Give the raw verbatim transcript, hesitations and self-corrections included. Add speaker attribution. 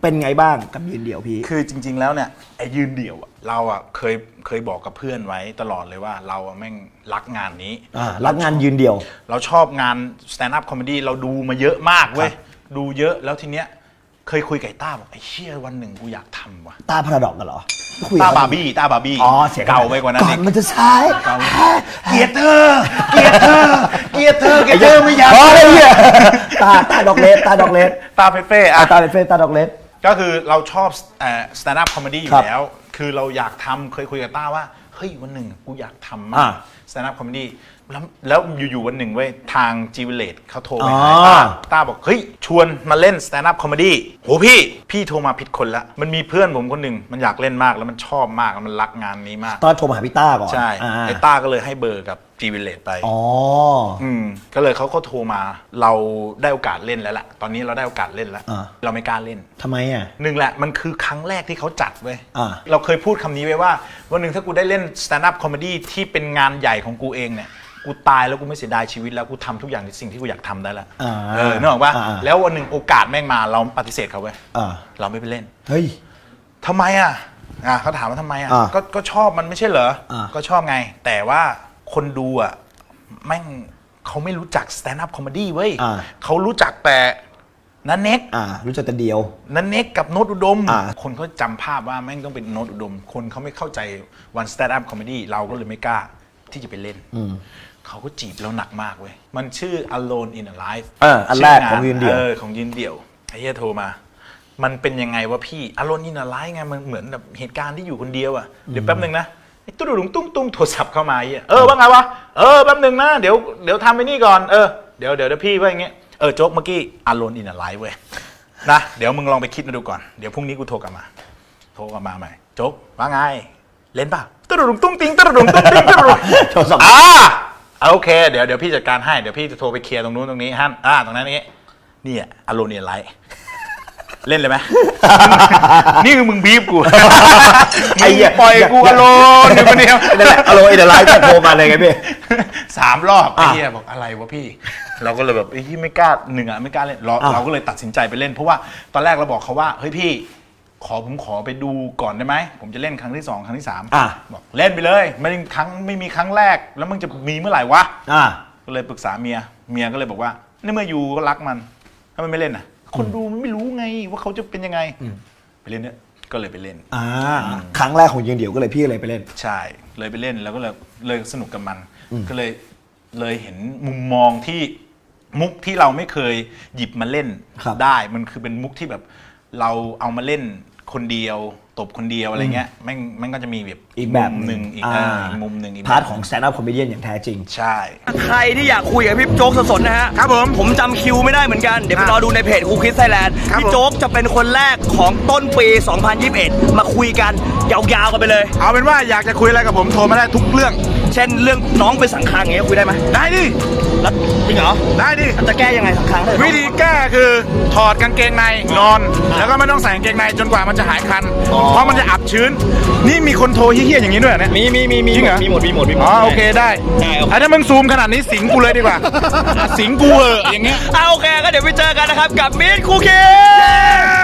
Speaker 1: เป็นไงบ้างกับยืนเดี่ยวพี่
Speaker 2: คือจริงๆแล้วเนี่ยไอ้ยืนเดี่ยวเราอ่ะเคยเคยบอกกับเพื่อนไว้ตลอดเลยว่าเราอ่ะแม่งรักงานนี้
Speaker 1: รักงานยืนเดี่ยว
Speaker 2: เราชอบงาน stand up comedy เราดูมาเยอะมากเว้ยดูเยอะแล้วทีเนี้ยเคยคุยกับต้าบอกไอ้เชี่ยวันหนึ่งกูอยากทำว่ะ
Speaker 1: ต้าพาราดอกกันเหรอ
Speaker 2: ต้าบาร์บี้ต้าบาร์บี้
Speaker 1: อ๋อเสีย
Speaker 2: เก่าไปกว่านั้น
Speaker 1: ก่อนมันจะใช้
Speaker 2: เกลียดเธอเกลียดเธอเกลียดเธอเกลียดเธอไม่อยาก
Speaker 1: พอเลยเนี่ยตาตาดอกเลสตาดอกเลส
Speaker 2: ตาเฟเฟ่อะ
Speaker 1: ตาเฟเฟ่ตาดอกเลส
Speaker 2: ก็คือเราชอบ stand up comedy อยู่แล้วคือเราอยากทำเคยคุยกับต้าว่าเฮ้ยวันหนึ่งกูอยากทำมาก stand up comedy แล้วแล้วอยู่ๆวันหนึ่งเว้ยทาง จี วิลเลจ เขาโทรไปหาต้าต้าบอกเฮ้ยชวนมาเล่น stand up comedy โหพี่พี่โทรมาผิดคนละมันมีเพื่อนผมคนหนึ่งมันอยากเล่นมากแล้วมันชอบมากแล้วมันรักงานนี้มาก
Speaker 1: ตอนโทรมาหาพี่ต้าก่อน
Speaker 2: ใช่ไอ้ต้าก็เลยให้เบอร์กับ จี วิลเลจ ไป
Speaker 1: อ๋อ
Speaker 2: อืมก็เลยเขาก็โทรมาเราได้โอกาสเล่นแล้วล่ะตอนนี้เราได้โอกาสเล่นแล้วเราไม่กล้าเล่น
Speaker 1: ทำไมอ่ะ
Speaker 2: หนึ่งแหละมันคือครั้งแรกที่เขาจัดเว้ยเราเคยพูดคำนี้ไว้ว่าวันหนึ่งถ้ากูได้เล่น stand up comedy ที่เป็นงานใหญ่ของกูเองเนี่ยกูตายแล้วกูไม่เสียดายชีวิตแล้วกูทำทุกอย่างในสิ่งที่กูอยากทำได้แล้วเออนึกออกปะแล้ววันหนึ่งโอกาสแม่งมาเราปฏิเสธเขาเว้ยเราไม่ไปเล่น
Speaker 1: เฮ้ย
Speaker 2: ทำไมอ่ะอ่ะเขาถามว่าทำไมอ่ะก็ก็ชอบมันไม่ใช่เหรอก็ชอบไงแต่ว่าคนดูอ่ะแม่งเขาไม่รู้จัก stand up comedy เว้ยเขารู้จักแต่นันเน็ก
Speaker 1: รู้จักแต่เดียว
Speaker 2: นันเน็กกับโน้ตอุดมคนเขาจำภาพว่าแม่งต้องเป็นโน้ตอุดมคนเขาไม่เข้าใจวัน stand up comedy เราก็เลยไม่กล้าที่จะไปเล่นเขาก็จีบเราหนักมากเว้ยมันชื่อ Alone in a Life
Speaker 1: เอออันแรกของยืนเดี่ยว
Speaker 2: เออของยืนเดี่ยวไอ้เหี้ยโทรมามันเป็นยังไงวะพี่ Alone in a Life ไงมันเหมือนแบบเหตุการณ์ที่อยู่คนเดียวอ่ะเดี๋ยวแป๊บนึงนะไอ้ตุ้ดุงตุ้งตุ้งโทรศัพท์เข้ามาเหี้ยเออว่าไงวะเออแป๊บนึงนะเดี๋ยวเดี๋ยวทำไปนี่ก่อนเออเดี๋ยวเดี๋ยวพี่ว่าอย่างเงี้ยเออโจ๊กเมื่อกี้ Alone in a Life เว้ยนะเดี๋ยวมึงลองไปคิดมาดูก่อนเดี๋ยวพรุ่งนี้กูโทรกลับมาโทรกลับมาใหม่โจ๊กว่าไงเล่นป่ะตุ้ดุงตุ้งติ้งตุ้ดุงตุ้งติ้งตุ้ดุงโทรศัพท์อ่าโอเคเดี๋ยวเดี๋ยวพี่จัดการให้เดี๋ยวพี่จะโทรไปเคลียร์ตรงนู้นตรงนี้ฮะอ่าตรงนั้นนี้นี่อะอารมณ์เนี่ยไรเล่นเลยไหมนี่คือมึงบีบกูไอ้ปล่อยกูอารมณ์อยู่คนเดียว
Speaker 1: นั่นแหละอารมณ์อินเดอร์ไลท์โทรมาเลยไงพี่
Speaker 2: สามรอบไอ้เหี้ยบอกอะไรวะพี่เราก็เลยแบบไอ้ที่ไม่กล้าหนึ่งอ่ะไม่กล้าเล่นเราเราก็เลยตัดสินใจไปเล่นเพราะว่าตอนแรกเราบอกเขาว่าเฮ้ยพี่ขอผมขอไปดูก่อนได้ไหมผมจะเล่นครั้งที่สองครั้งที่สามบอกเล่นไปเลยไม่ครั้งไม่มีครั้งแรกแล้วมึงจะมีเมื่อไหร่วะก็เลยปรึกษาเมียเมียก็เลยบอกว่าในเมื่ออยู่ก็รักมันถ้ามันไม่เล่นน่ะคนดูไม่รู้ไงว่าเขาจะเป็นยังไงไปเล่นเนี่ยก็เลยไปเล่น
Speaker 1: อ่าครั้งแรกของยืนเดี่ยวก็เลยพี่เลยไปเล่น
Speaker 2: ใช่เลยไปเล่นแล้วก็เลยเลยสนุกกับมันก็เลยเลยเห็นมุมมองที่มุกที่เราไม่เคยหยิบมาเล่นได้มันคือเป็นมุกที่แบบเราเอามาเล่นคนเดียวตบคนเดียวอะไรเงี้ยแม่งแม่งก็จะมีแบบ
Speaker 1: อีกแบบ
Speaker 2: หนึ่งอีกมุมหนึ่งอีก
Speaker 1: พาร์ทของ stand up comedian อย่างแท้จริง
Speaker 2: ใช่
Speaker 3: ใครที่อยากคุยกับพี่โจ๊กสดๆนะฮะ
Speaker 2: ครับผม
Speaker 3: ผมจำคิวไม่ได้เหมือนกันเดี๋ยวไปรอดูในเพจคูคิดไทยแลนด์พี่โจ๊กจะเป็นคนแรกของต้นปีสองพันยี่สิบเอ็ดมาคุยกันยาวๆกันไปเลย
Speaker 2: เอาเป็นว่าอยากจะคุยอะไรกับผมโทรมาได้ทุกเรื่อง
Speaker 3: เช่นเรื่องน้องไปสังคังอย่างเงี้ยคุยได้ไหม
Speaker 2: ได้ดิ
Speaker 3: แล้วจริงเหรอ
Speaker 2: ได้ดิ
Speaker 3: จะแก้ยังไงสังคัง
Speaker 2: วิธีแก้คือถอดกางเกงในนอนแล้วก็ไม่ต้องใส่กางเกงในจนกว่ามันจะหายคันเพราะมันจะอับชื้นนี่มีคนโทรเฮี้ยๆอย่างนี้ด้วยเนี่ย
Speaker 3: มีมีมีมีมีหมดมีหมดมีหมด
Speaker 2: อ๋อโอเคได้ได้ถ้ามึงซูมขนาดนี้สิงกูเลยดีกว่าสิงกูเอออย่างเงี้ย
Speaker 3: โอเคก็เดี๋ยวไปเจอกันนะครับกับมิตรคูคิด